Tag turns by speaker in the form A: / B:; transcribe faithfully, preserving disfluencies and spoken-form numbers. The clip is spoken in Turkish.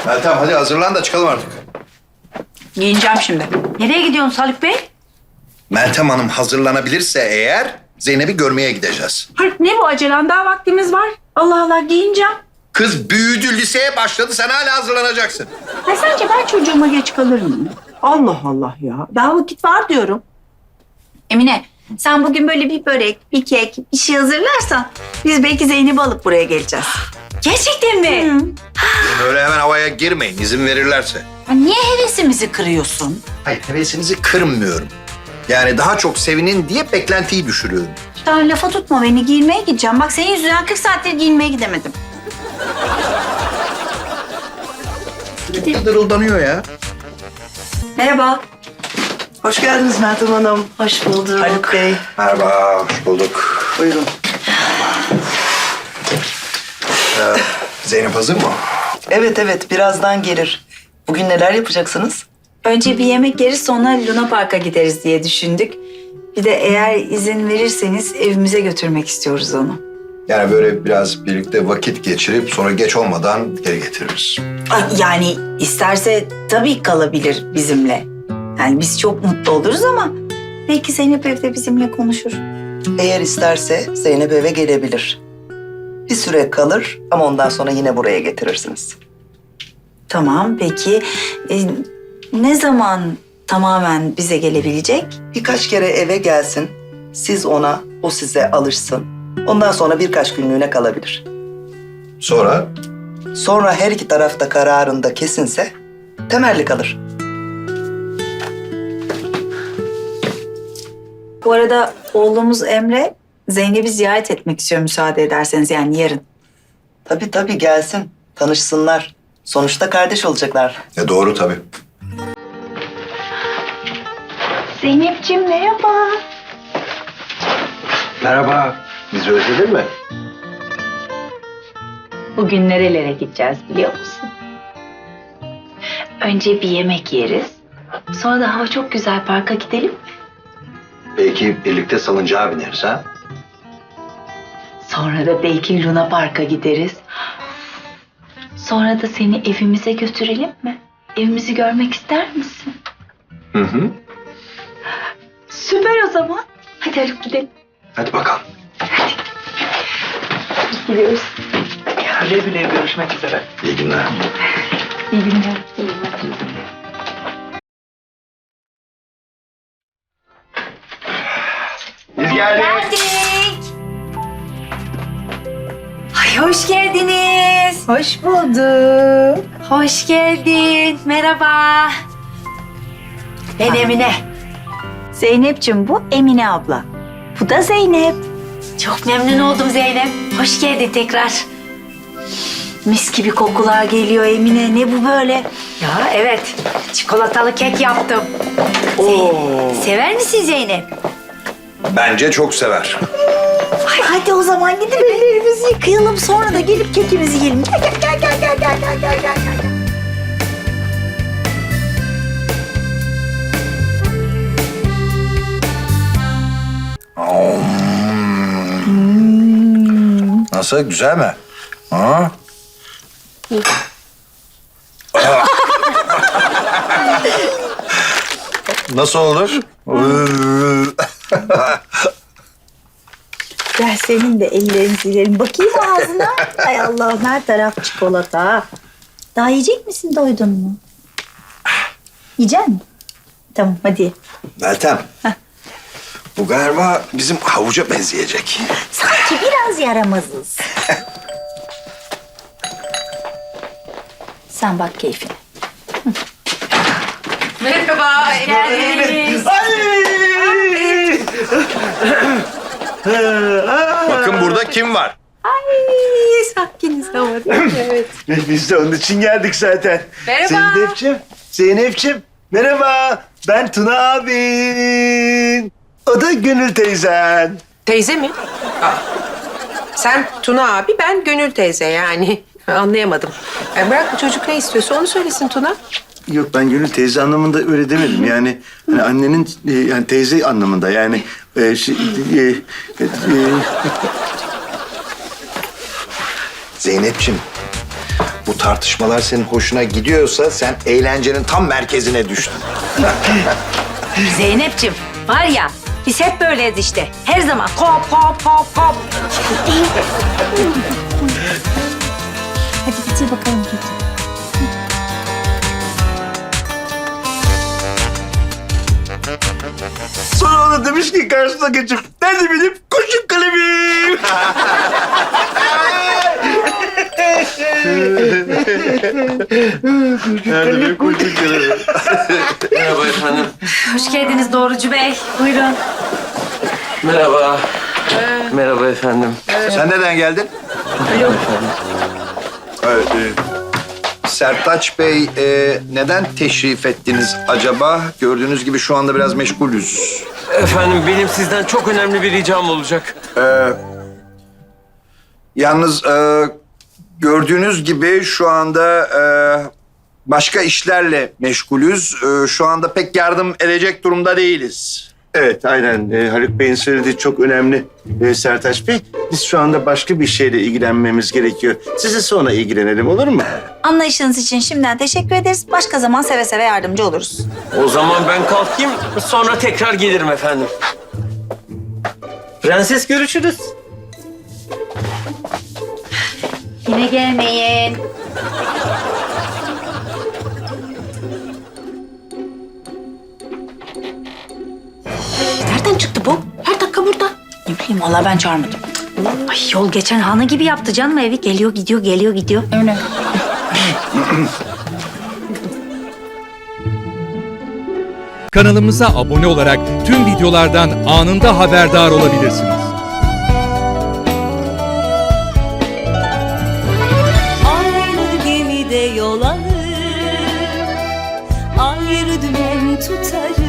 A: Meltem hadi hazırlan da çıkalım artık.
B: Giyineceğim şimdi. Nereye gidiyorsun Haluk Bey?
A: Meltem Hanım hazırlanabilirse eğer Zeynep'i görmeye gideceğiz.
B: Haluk ne bu acelen? Daha vaktimiz var. Allah Allah giyineceğim.
A: Kız büyüdü, liseye başladı. Sen hala hazırlanacaksın.
B: Ha, sence ben çocuğuma geç kalır mıyım? Allah Allah ya. Daha vakit var diyorum.
C: Emine, sen bugün böyle bir börek, bir kek, bir şey hazırlarsan biz belki Zeynep'i alıp buraya geleceğiz.
B: Gerçekten mi?
A: Böyle hemen havaya girmeyin izin verirlerse.
B: Ya niye hevesimizi kırıyorsun?
A: Hayır hevesinizi kırmıyorum. Yani daha çok sevinin diye beklentiyi düşürüyorum.
C: Daha lafa tutma beni, giyinmeye gideceğim. Bak senin yüzünden kırk saattir giyinmeye gidemedim.
A: Sürekli dırıldanıyor ya.
C: Merhaba.
D: Hoş geldiniz Meltem Hanım.
C: Hoş bulduk.
D: Haluk Bey.
A: Merhaba, hoş bulduk.
D: Buyurun.
A: Ee, Zeynep hazır mı?
D: Evet evet birazdan gelir. Bugün neler yapacaksınız?
C: Önce bir yemek yeriz sonra Luna Park'a gideriz diye düşündük. Bir de eğer izin verirseniz evimize götürmek istiyoruz onu.
A: Yani böyle biraz birlikte vakit geçirip sonra geç olmadan geri getiririz.
C: Ay, yani isterse tabii kalabilir bizimle. Yani biz çok mutlu oluruz ama belki Zeynep evde bizimle konuşur.
D: Eğer isterse Zeynep eve gelebilir. Bir süre kalır ama ondan sonra yine buraya getirirsiniz.
C: Tamam peki e, ne zaman tamamen bize gelebilecek?
D: Birkaç kere eve gelsin. Siz ona, o size alışsın. Ondan sonra birkaç günlüğüne kalabilir.
A: Sonra?
D: Sonra her iki tarafta kararında kesinse temelli kalır.
C: Bu arada oğlumuz Emre Zeynep'i ziyaret etmek istiyor müsaade ederseniz yani yarın.
D: Tabii tabii gelsin. Tanışsınlar. Sonuçta kardeş olacaklar.
A: E doğru tabii.
C: Zeynep'ciğim merhaba.
A: Merhaba. Bizi özledin mi?
C: Bugün nerelere gideceğiz biliyor musun? Önce bir yemek yeriz. Sonra da hava çok güzel parka gidelim mi?
A: Belki birlikte salıncağa bineriz ha?
C: Sonra da belki Luna Park'a gideriz. Sonra da seni evimize götürelim mi? Evimizi görmek ister misin?
A: Hı hı.
C: Süper o zaman. Hadi Haluk gidelim.
A: Hadi bakalım.
C: Gidiyoruz.
D: Güle güle görüşmek üzere.
A: İyi günler.
C: İyi günler. İyi günler.
A: Biz geldik.
C: Geldik. Ay hoş geldiniz.
B: Hoş bulduk.
C: Hoş geldin. Merhaba. Ben Emine. Zeynep'ciğim bu Emine abla. Bu da Zeynep. Çok memnun oldum Zeynep. Hoş geldin tekrar. Mis gibi kokular geliyor Emine. Ne bu böyle?
B: Ya evet. Çikolatalı kek yaptım.
C: Zeynep, sever misin Zeynep?
A: Bence çok sever.
C: Ay, hadi o zaman gidip ellerimizi yıkayalım. Sonra da gelip kekimizi yiyelim. Gel gel gel gel gel gel gel gel gel.
A: Hmm. Nasıl? Güzel mi? Ha? Nasıl olur?
C: Gel senin de ellerini silelim. Bakayım ağzına. Ay Allah'ım her taraf çikolata. Daha yiyecek misin? Doydun mu? Yiyecek misin? Tamam hadi.
A: Meltem. Bu galiba bizim havuca benzeyecek.
C: Sanki biraz yaramazız. Sen bak keyfine.
B: Merhaba. Geldiniz.
A: Bakın burada kim var?
C: Ay sakiniz ama. Evet.
E: Biz de onun için geldik zaten.
B: Merhaba.
E: Zeynep'ciğim, Zeynep'ciğim. Merhaba, ben Tuna abin. O da Gönül teyzen.
F: Teyze mi? Aa. Sen Tuna abi, ben Gönül teyze yani. Anlayamadım. E bırak bu çocuk ne istiyorsa onu söylesin Tuna.
E: Yok ben Gönül teyze anlamında öyle demedim. Yani hani annenin e, yani teyze anlamında yani. E, şey, e, e, e,
A: Zeynep'ciğim, Bu tartışmalar senin hoşuna gidiyorsa sen eğlencenin tam merkezine düştün.
C: Zeynep'ciğim var ya biz hep böyleyiz işte. Her zaman kop kop kop kop. Hadi bitir bakalım keki.
E: Sonra ona demiş ki karşısına geçip nerede benim kurşun kalemim? Nerede benim kurşun kalemim?
G: Merhaba efendim.
C: Hoş geldiniz Doğrucu Bey. Buyurun.
G: Merhaba. Merhaba efendim.
A: Sen neden geldin?
G: Efendim.
A: Evet, e, Sertaç Bey, e, neden teşrif ettiniz acaba? Gördüğünüz gibi şu anda biraz meşgulüz.
G: Efendim benim sizden çok önemli bir ricam olacak.
A: Yalnız e, gördüğünüz gibi şu anda e, başka işlerle meşgulüz. E, şu anda pek yardım edecek durumda değiliz.
E: Evet, aynen. Ee, Haluk Bey'in söylediği çok önemli ee, Sertaç Bey. Biz şu anda başka bir şeyle ilgilenmemiz gerekiyor. Size sonra ilgilenelim, olur mu?
C: Anlayışınız için şimdiden teşekkür ederiz. Başka zaman seve seve yardımcı oluruz.
G: O zaman ben kalkayım, sonra tekrar gelirim efendim. Prenses görüşürüz.
C: Yine gelmeyin. Nereden çıktı bu? Her dakika burada. Ne bileyim valla ben çağırmadım. Ay yol geçen hanı gibi yaptı canım evi. Geliyor gidiyor geliyor gidiyor. Öyle.
H: Kanalımıza abone olarak tüm videolardan anında haberdar olabilirsiniz.
I: Aynı gemide yol alır, ayrı dümen tutarız.